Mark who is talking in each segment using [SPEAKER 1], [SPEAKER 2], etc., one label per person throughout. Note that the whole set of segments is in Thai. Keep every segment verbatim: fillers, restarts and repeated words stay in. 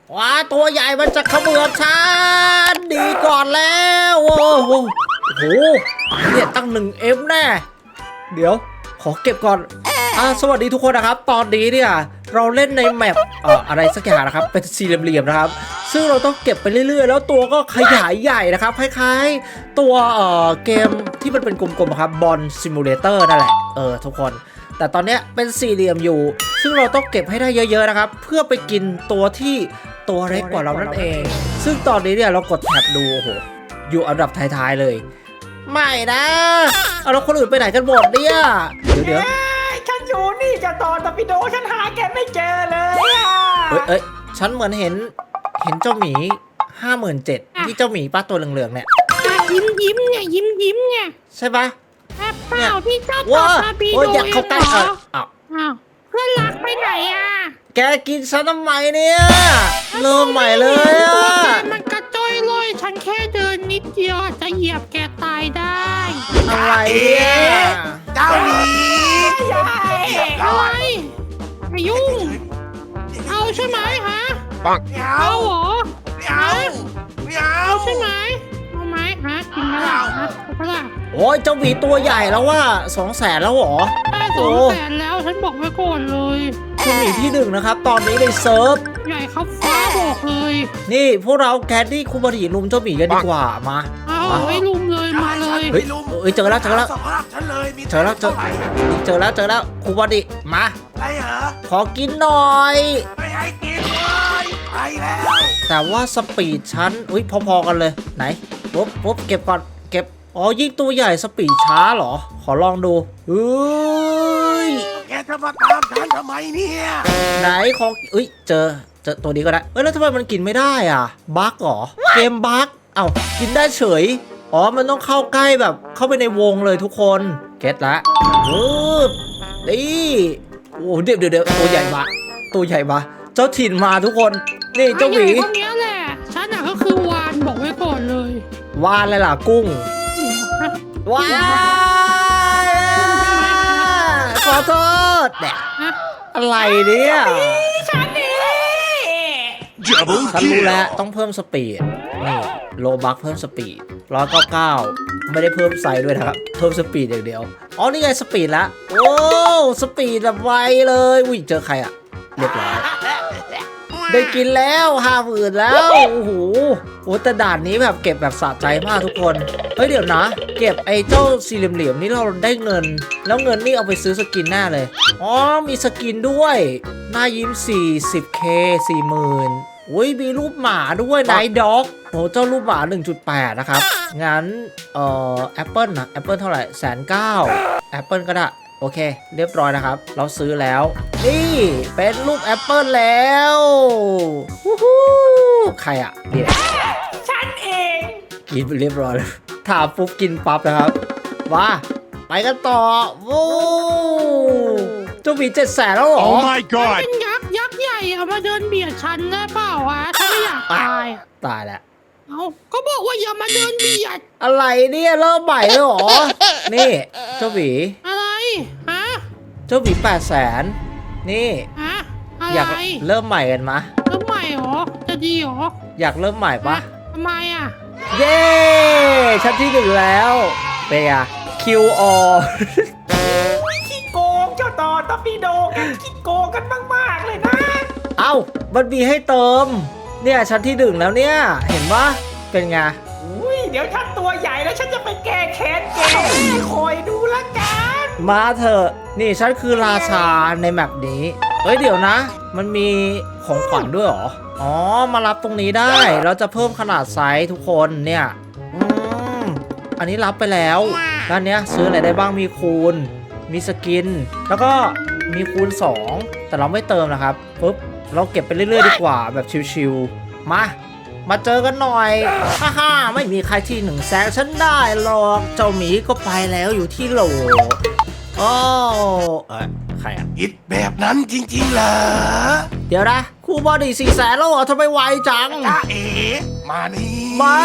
[SPEAKER 1] ว้าตัวใหญ่มันจะเขมือบฉันดีก่อนแล้วโอ้โหโอ้โหเนี่ยตั้งหนึ่งเอ็มแน่เดี๋ยวขอเก็บก่อนอ่าสวัสดีทุกคนนะครับตอนนี้เนี่ยเราเล่นในแมปเอ่ออะไรสักอย่างนะครับเป็นสี่เหลี่ยมๆนะครับซึ่งเราต้องเก็บไปเรื่อยๆแล้วตัวก็ขยายใหญ่นะครับคล้ายๆตัวเอ่อเกมที่มันเป็นกลมๆครับบอลซิมูเลเตอร์นั่นแหละเออทุกคนแต่ตอนนี้เป็นสี่เหลี่ยมอยู่ซึ่งเราต้องเก็บให้ได้เยอะๆนะครับเพื่อไปกินตัวที่ตัวเล็กกว่าเรานั่นเองซึ่งตอนนี้เนี่ยเรากดแท็บดูโอ้โหอยู่อันดับท้ายๆเลยไม่นะเอาแล้วคนอื่นไปไหนกันหมดเนี่ยเดี๋ยวเดี๋ยว
[SPEAKER 2] ฉันอยู่นี่จะตอนตะปิโดฉันหาแกไม่เจอเลยอ่ะ
[SPEAKER 1] เอ้ยเอ้ยฉันเหมือนเห็นเห็นเจ้าหมีห้าหมื่นเจ็ดที่เจ้าหมีป้าตัวเหลืองๆเนี่ย
[SPEAKER 3] ยิ้มยิ้มเนี่ยยิ้มยิ้มเนี่ย
[SPEAKER 1] ใช่ปะ
[SPEAKER 3] เปล่าที่เจ้าตอตะปิโด
[SPEAKER 1] โอ้ยอยากเข้าใกล้เอออ้าว
[SPEAKER 3] อ้าวเพื่อนรักไปไหนอ่ะ
[SPEAKER 1] แกกินฉันทำไมเนี่ยเริ่มใหม่เลยอ่ะ
[SPEAKER 3] มันกระจ้อยลอยฉันแค่เดินนิดเดียวจะเหยียบแกตายได้
[SPEAKER 1] อะไรเนี่ย
[SPEAKER 2] เจ้าหมี
[SPEAKER 3] อะไรไม่ยุ่งเอาใช่ไหมฮะ
[SPEAKER 2] ปัง
[SPEAKER 3] เอาเหรอ
[SPEAKER 2] ไม่เอาไม่เอา
[SPEAKER 3] ใช่ไหมเอาไหมฮะกินไหมล่ะฮะเอาล่ะ
[SPEAKER 1] โอ้ยเจ้าหมีตัวใหญ่แล้วว่าสองแสนแล้วหรอ
[SPEAKER 3] ได้สองแสนแล้วฉันบอกไว้ก่อนเลย
[SPEAKER 1] เจ้าหมีที่หนึ่งนะครับตอนนี้ในเซิร์ฟ
[SPEAKER 3] ใหญ่ครับฟ้าบอกเลย
[SPEAKER 1] นี่พวกเราแคดดี้คูบาริลุมเจ้าหมีกันดีกว่ามา
[SPEAKER 3] เอาไม่ลุมเลยมาเลย
[SPEAKER 1] เฮ้ยเฮ้ยเจอแล้วเจอแล้วเจอแล้วเจอเจอแล้วเจอแล้วคูบาริมา
[SPEAKER 2] อะไรเหรอ
[SPEAKER 1] ขอกินหน่อย
[SPEAKER 2] ไม่ให้กินเลยไปแล้ว
[SPEAKER 1] แต่ว่าสปีดฉันอุ้ยพอๆกันเลยไหนปุ๊บปุ๊บเก็บก่อนเก็บอ๋อยิ่งตัวใหญ่สปีดช้าเหรอขอลองดูเฮ้ย
[SPEAKER 2] แกจะมาตามฉันทำไมเนี่ย
[SPEAKER 1] ไหนของอุ้ยเจอเจอตัวนี้ก็ได้เอ้ยแล้วทำไมมันกินไม่ได้อ่ะบั๊กเหรอเกมบั๊กเอ้ากินได้เฉยอ๋อมันต้องเข้าใกล้แบบเข้าไปในวงเลยทุกคนเก็ตละปึ๊บนี่โอ้เดี๋ยวเดี๋ยวเดี๋ยวตัวใหญ่มาตัวใหญ่มาเจ้าถิ่นมาทุกคนนี่เจ้าหมี
[SPEAKER 3] พวกนี้แหละฉันน่ะก็คือวานบอกไว้ก่อนเลยว
[SPEAKER 1] านอะไรล่ะกุ้งว้ายขอโทษเนี่ยอะไรเนี่ย
[SPEAKER 3] ฉันนี่
[SPEAKER 1] ฉันรู้แล้วต้องเพิ่มสปีดนี่โลบักเพิ่มสปีดร้อยเก้าเก้าไม่ได้เพิ่มไซส์ด้วยนะครับเพิ่มสปีดอย่างเดียวอ๋อนี่ไงสปีดละโอ้สปีดแบบไวเลยอุ้ยเจอใครอะเรียบร้อยได้กินแล้วห้าหมื่นแล้วโอ้โหโอ้แต่ด่านนี้แบบเก็บแบบสะใจมากทุกคนเฮ้ยเดี๋ยวนะเก็บไอ้เจ้าสี่เหลี่ยมๆนี่เราได้เงินแล้วเงินนี่เอาไปซื้อสกินหน้าเลยอ๋อมีสกินด้วยหน้ายิ้ม สี่สิบเค สี่หมื่นอุ้ยมีรูปหมาด้วยไนท์ด็อกโหเจ้ารูปหมา หนึ่งจุดแปด นะครับงั้นเอ่อแอปเปิลนะแอปเปิลเท่าไหร่แสนเก้าแอปเปิลก็ได้โอเคเรียบร้อยนะครับเราซื้อแล้วนี่เป็นรูปแอปเปิลแล้ววู้ฮู้ใครอ่ะเดี๋ยว
[SPEAKER 3] ฉันเอง
[SPEAKER 1] กินไปเรียบร้อยแล้วถามปุ๊บกินปั๊บนะครับว้าไปกันต่อวู้เจ้าหมีเจ็ดแสนแล้วเหรอ
[SPEAKER 3] Oh my god เป็นยักษ์ยักษ์ใหญ่เอามาเดินเบียดฉันได้เปล่าวะฉันไม่อยากตาย
[SPEAKER 1] ตายแล้ว
[SPEAKER 3] เอาก็บอกว่าอย่ามาเดินเบียด
[SPEAKER 1] อะไรเนี่ยเริ่มใหม่เลยเหรอนี่เจ้าหมี
[SPEAKER 3] อะไรฮะ
[SPEAKER 1] เจ้าหมีแปดแสนนี่
[SPEAKER 3] ฮะอะไร
[SPEAKER 1] อยากเริ่มใหม่กันมะ
[SPEAKER 3] เริ่มใหม่เหรอจะดีเหรอ
[SPEAKER 1] อยากเริ่มใหม่ปะ
[SPEAKER 3] ทำไมอ่ะ
[SPEAKER 1] เย้ชั้นที่หนึ่งแล้วเปียคิวอ
[SPEAKER 2] ขี้โกงเจ้าต่อตะปีโดกันขี้โกงกันมากๆเลยนะ
[SPEAKER 1] เอ้ามันมีให้เติมเนี่ยชั้นที่หนึ่งแล้วเนี่ยเห็นปะเป็นไง
[SPEAKER 2] อุ้ยเดี๋ยวฉันตัวใหญ่แล้วฉันจะไปแก้แค้นแกคอยดูละกัน
[SPEAKER 1] มาเถอะนี่ฉันคือราชาในแมปนี้เอ้ยเดี๋ยวนะมันมีของขวัญด้วยเหรออ๋อมารับตรงนี้ได้เราจะเพิ่มขนาดไซส์ทุกคนเนี่ยอืมอันนี้รับไปแล้วด้านเนี้ยซื้ออะไรได้บ้างมีคูณมีสกินแล้วก็มีคูณสองแต่เราไม่เติมนะครับปุ๊บเราเก็บไปเรื่อยๆดีกว่าแบบชิวๆมามาเจอกันหน่อยฮ่าฮ่าไม่มีใครที่หนึ่งแซงฉันได้หรอกเจ้าหมีก็ไปแล้วอยู่ที่โหลโอ้เอ้ยใครอ่ะ
[SPEAKER 2] คิดแบบนั้นจริงๆเหรอ
[SPEAKER 1] เดี๋ยวนะครูบอดี้สี่แสนแล้วเหรอทำไมไวจัง
[SPEAKER 2] จ้าเอ๋มานี่
[SPEAKER 1] ไม่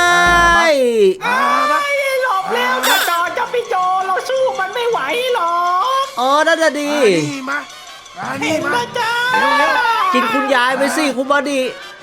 [SPEAKER 2] ไม่หลบแล้วจะจอจะพี่โจเราสู้มันไม่ไหวหรอก
[SPEAKER 1] เออนั่นจะดี
[SPEAKER 2] มามานี่มาจ้า
[SPEAKER 1] กินคุณยายไปสิครูบอดี้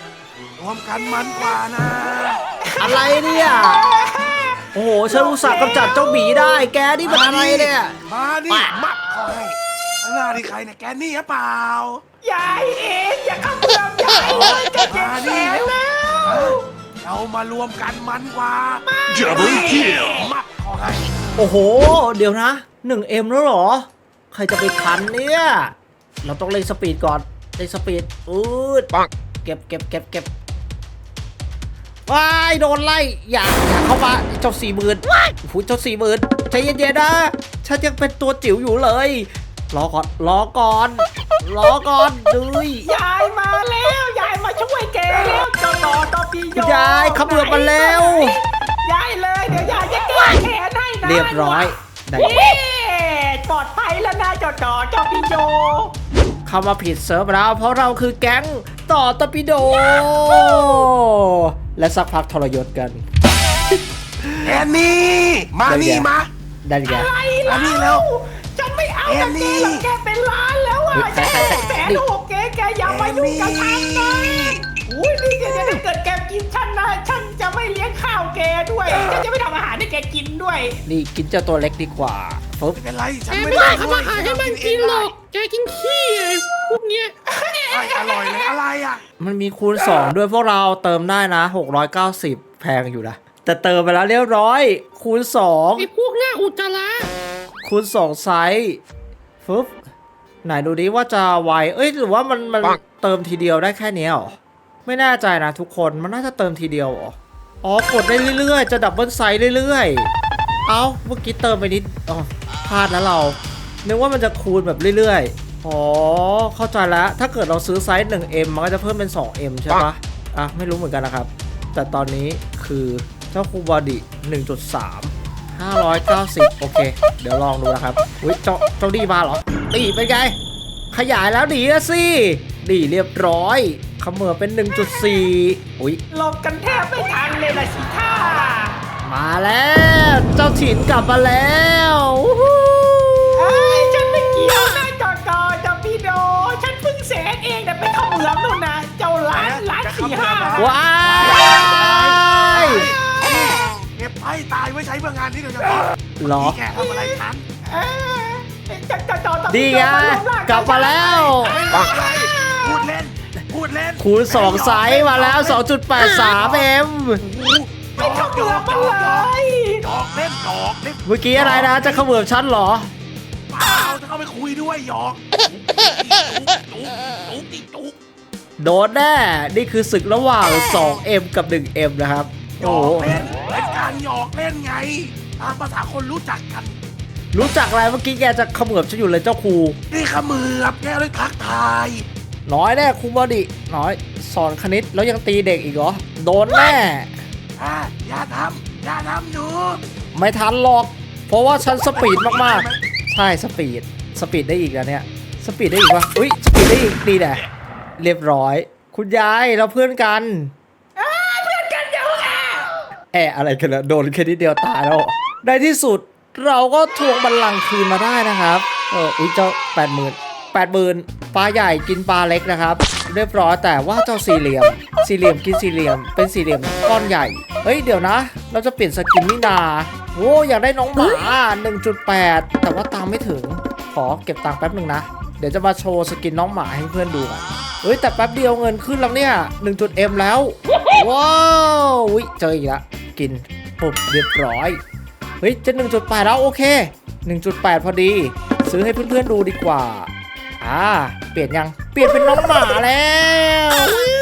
[SPEAKER 4] รวมกันมันกว่านะ
[SPEAKER 1] อะไรเนี่ยโอ้โหฉันอุตส่าห์กำจัดเจ้าหมีได้แกนี่มันอะไรเนี่ย
[SPEAKER 4] มาดิมัดคอยข้างหน้าที่ใครเนี่ยแกนี่หรือเปล่าย
[SPEAKER 2] ายเองอย่าเข้าเมืองยายเลยจะเจ็บแขนแล้ว
[SPEAKER 4] เรามารวมกันมันกว่า
[SPEAKER 5] Double kill
[SPEAKER 4] มัดคอย
[SPEAKER 1] โอ้โห เดี๋ยวนะ หนึ่งเอ็ม แล้วเหรอ ใครจะไปทันเนี่ย เราต้องเล่นสปีดก่อนเล่นสปีดอืด
[SPEAKER 5] ปัง
[SPEAKER 1] เก็บเก็บเก็บเก็บว้ายโดนไล่อย่าอย่าเข้ามาเจ้าสี่หมื่นหูเจ้าสี่หมื่นใจเย็นๆนะฉันยังเป็นตัวจิ๋วอยู่เลยรอก่อนรอก่อนรอก่อนดุย
[SPEAKER 2] ยายมาแล้วยายมาช่วยแกแล้วเจ้าต่อต่อปีโย
[SPEAKER 1] ยายเขมือบมาแล้ว
[SPEAKER 2] ยายเลยเดี๋ยวยายจะแก้แขนให้นะ
[SPEAKER 1] เรียบร้อยได้
[SPEAKER 2] เย้ปลอดภัยแล้วนะเจ้าต่อเจ้าปีโย
[SPEAKER 1] เข้ามาผิดเซิร์ฟแล้วเพราะเราคือแก๊งต่อตอร์ปิโด และสักพักทรยศกัน
[SPEAKER 4] แกนี่มานี่มา
[SPEAKER 1] ได้ไง
[SPEAKER 2] อะไร
[SPEAKER 4] อั
[SPEAKER 2] ล่ะ
[SPEAKER 4] นนี้แล้ว
[SPEAKER 2] ฉันไม่เอา
[SPEAKER 4] แอ
[SPEAKER 2] กับ
[SPEAKER 4] น
[SPEAKER 2] แก
[SPEAKER 4] นี่
[SPEAKER 2] หรอกแกเป็นล้านแล้วอ่ะ
[SPEAKER 1] เฮ้ย
[SPEAKER 2] แก
[SPEAKER 1] ใครใคร
[SPEAKER 2] แสน
[SPEAKER 1] นี่
[SPEAKER 2] หกแกแกอย่ามายุ่งกับฉันนะอุ้ยนี่แกจะถ้าเกิดแกกินฉันนะฉันจะไม่เลี้ยงข้าวแกด้วยฉันจะไม่ทำอาหารให้แกกินด้วย
[SPEAKER 1] นี่กินเจ้าตัวเล็กดีกว่าปึ๊บ
[SPEAKER 4] ไม่เป็นไรฉั
[SPEAKER 3] แก
[SPEAKER 4] นไม่
[SPEAKER 3] ไม่
[SPEAKER 4] ได้
[SPEAKER 3] ได้ทำอาหารให้มันกินหรอก แกกินขี้ไอ้พวกเนี้ย
[SPEAKER 4] ไอ้อร่อยเลยอะไรอ่ะ
[SPEAKER 1] มันมีคูณสองด้วยพวกเราเติมได้นะหกร้อยเก้าสิบแพงอยู่นะแต่เติมไปแล้วเรียบร้อยคูณสอง
[SPEAKER 3] ไอ้พวกหน้าอุจจาระ
[SPEAKER 1] คูณสองไซส์ปึ๊บไหนดูดิว่าจะไวเอ้ยหรือว่ามันมันเติมทีเดียวได้แค่เนี้ยเหรอไม่แน่ใจนะทุกคนมันน่าจะเติมทีเดียวเหรออ๋อกดได้เรื่อยๆจะดับเบิลไซส์เรื่อยๆเอ้าเมื่อกี้เติมไปนิดอ๋อพลาดแล้วเรานึกว่ามันจะคูณแบบเรื่อยๆอ๋อเข้าใจแล้วถ้าเกิดเราซื้อไซส์ หนึ่งเอ็ม มันก็จะเพิ่มเป็น สองเอ็ม ใช่ปะอ่ะไม่รู้เหมือนกันนะครับแต่ตอนนี้คือเจ้าคูบอดี้ หนึ่งจุดสาม ห้าร้อยเก้าสิบโอเคเดี๋ยวลองดูนะครับอุ้ยเจ้าเจ้าดีมาเหรอดีเป็นไงขยายแล้วดีนะสิดีเรียบร้อยเขมือบเป็น หนึ่งจุดสี่ อุ้ย
[SPEAKER 2] หลบกันแทบไม่ทันเลยล่ะสิท่า
[SPEAKER 1] มาแล้วเจ้าถิ่นกลับมาแล้ววู้ฮู้
[SPEAKER 2] ไอ้ยฉันไม่เกี่ยวนะจอจอจอพี่โด ฉันเพิ่งแสนเองแต่ไปเข้าเมืองนู่นนะเจ้าล้านล้านสี่ห้า
[SPEAKER 1] ว้าย
[SPEAKER 4] เก็บไพ่ตายไว้ใช้เพื่องานนี้โดยเฉพาะ
[SPEAKER 1] เหรอ
[SPEAKER 4] แกทำอะไรฉัน
[SPEAKER 2] เอ้ยจอจอจอจอ
[SPEAKER 1] ดี
[SPEAKER 2] พี่โด
[SPEAKER 1] ไง
[SPEAKER 2] มารวมร่าง
[SPEAKER 1] กลับมาแล้ว
[SPEAKER 4] อะไรพูดเล่น พูดเล่น
[SPEAKER 1] คูณสองไซส์มาแล้ว สองจุดแปดสาม เอ็ม
[SPEAKER 4] หยอกหยอกหยอกหยอกหยอกเล่นหยอกเล่น
[SPEAKER 1] เมื่อกี้อะไรนะจะเขมือบฉันเหรอ
[SPEAKER 4] เปล่าจะเข้าไปคุยด้วยหยอกจุ๊กจุ๊กจุ๊กจุ๊ก
[SPEAKER 1] โดนแน่ นี่คือศึกระหว่าง สองเอ็ม กับ หนึ่งเอ็ม นะครับ
[SPEAKER 4] หย
[SPEAKER 1] โอ้
[SPEAKER 4] อ
[SPEAKER 1] โห
[SPEAKER 4] กเล่นเป็นการหยอกเล่นไงตามภาษาคนรู้จักกัน
[SPEAKER 1] รู้จักอะไรเมื่อกี้แกจะเขมือบฉันอยู่เลยเจ้าครู
[SPEAKER 4] นี่ขมือบแกเลยทักทาย
[SPEAKER 1] น้อยแน่ครูบอดี้น้อย สอนคณิตแล้วยังตีเด็กอีกเหรอ โดนแน่
[SPEAKER 4] อ่ะอย่าทำอย่าทำหนู
[SPEAKER 1] ไม่ทันหรอก เพราะว่าฉันสปีดมากๆ ใช่สปีด สปีดได้อีกแล้วเนี่ย สปีดได้อีกวะอุ้ยสปีดได้อีกดีแหละเรียบร้อย คุณยายเราเพื่อนกัน
[SPEAKER 2] เพื่อนกันเดี๋ยวอ่ะ
[SPEAKER 1] แอะอะไรกันนะโดนแค่นิดเดียวตายแล้วในที่สุดเราก็ทวงบัลลังก์คืนมาได้นะครับ เอออุ้ยเจ้าแปดหมื่นแปดหมื่นปลาใหญ่กินปลาเล็กนะครับ เรียบร้อยแต่ว่าเจ้าสี่เหลี่ยม สี่เหลี่ยมกินสี่เหลี่ยมเป็นสี่เหลี่ยมก้อนใหญ่เฮ้ยเดี๋ยวนะ เราจะเปลี่ยนสกินนี่นาโอ้อยากได้น้องหมา หนึ่งจุดแปด แต่ว่าตังค์ไม่ถึงขอเก็บตังค์แป๊บหนึ่งนะเดี๋ยวจะมาโชว์สกินน้องหมาให้เพื่อนดูกันเฮ้ยแต่แป๊บเดียวเงินขึ้นแล้วเนี่ย หนึ่งจุดเอ็ม แล้วว้าวอุ๊ยเจออีกแล้วกินปุ๊บเรียบร้อยเฮ้ยจะ หนึ่งจุดแปด แล้วโอเค หนึ่งจุดแปด พอดี ซื้อให้เพื่อนๆดูดีกว่าอ่าเปลี่ยนยังเปลี่ยนเป็นน้องหมาแล้ว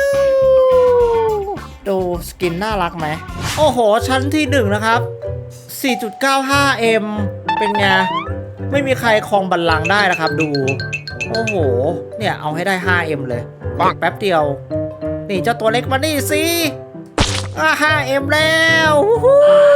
[SPEAKER 1] ดูสกินน่ารักไหมโอ้โหชั้นที่หนึ่งนะครับ สี่จุดเก้าห้า เอ็ม เป็นไงไม่มีใครครองบัลลังก์ได้นะครับดูโอ้โหเนี่ยเอาให้ได้ ห้า เอ็ม เลยแป๊บเดียวนี่เจ้าตัวเล็กมานี่สิอ่า ห้า เอ็ม แล้ววู้ฮู้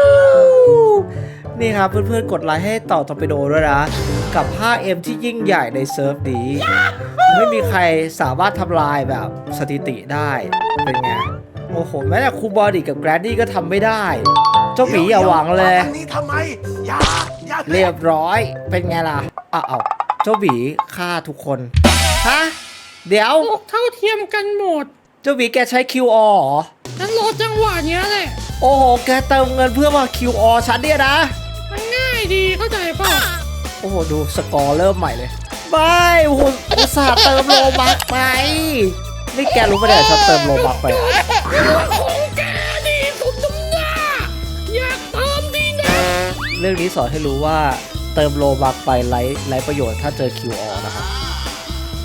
[SPEAKER 1] นี่ครับเพื่อนๆกดไลค์ให้ต่อตอร์ปิโดด้วยนะกับ ห้า เอ็ม ที่ยิ่งใหญ่ในเซิร์ฟนี้ไม่มีใครสามารถทำลายแบบสถิติได้เป็นไงโอ้โหแม้แต่ครูบอดี้กับแกรนดี้ก็ทำไม่ได้เจ้าหมีอย่าหวังเลย
[SPEAKER 4] อันนี้ทำไมอย่าอย่า
[SPEAKER 1] เรียบร้อยเป็นไงล่ะอ้าวเจ้าหมีฆ่าทุกคนฮะเดี๋ยว
[SPEAKER 3] โลกเท่าเทียมกันหมด
[SPEAKER 1] จ้าหมีแกใช้ คิว อาร์ เหรอ
[SPEAKER 3] ฉันรอจังหวะเนี้ยแหละ
[SPEAKER 1] โอ้โห แกเติมเงินเพื่อมา คิว อาร์ ฉันเนี่ยนะ
[SPEAKER 3] มันง่ายดีเข้าใจเปล่า
[SPEAKER 1] โอ้โห ดูสกอร์เริ่มใหม่เลยไม่โอ้โหอุตส่าห์เติมโลบักไปนี่แกรู้ปะเนี่ยฉันเติมโลบักไปอะ
[SPEAKER 3] ของแกดีสุดตำหน้าอยากเติมดีนะ
[SPEAKER 1] เรื่องนี้สอนให้รู้ว่าเติมโลบักไปไร้ไร้ประโยชน์ถ้าเจอ คิว อาร์ นะครับ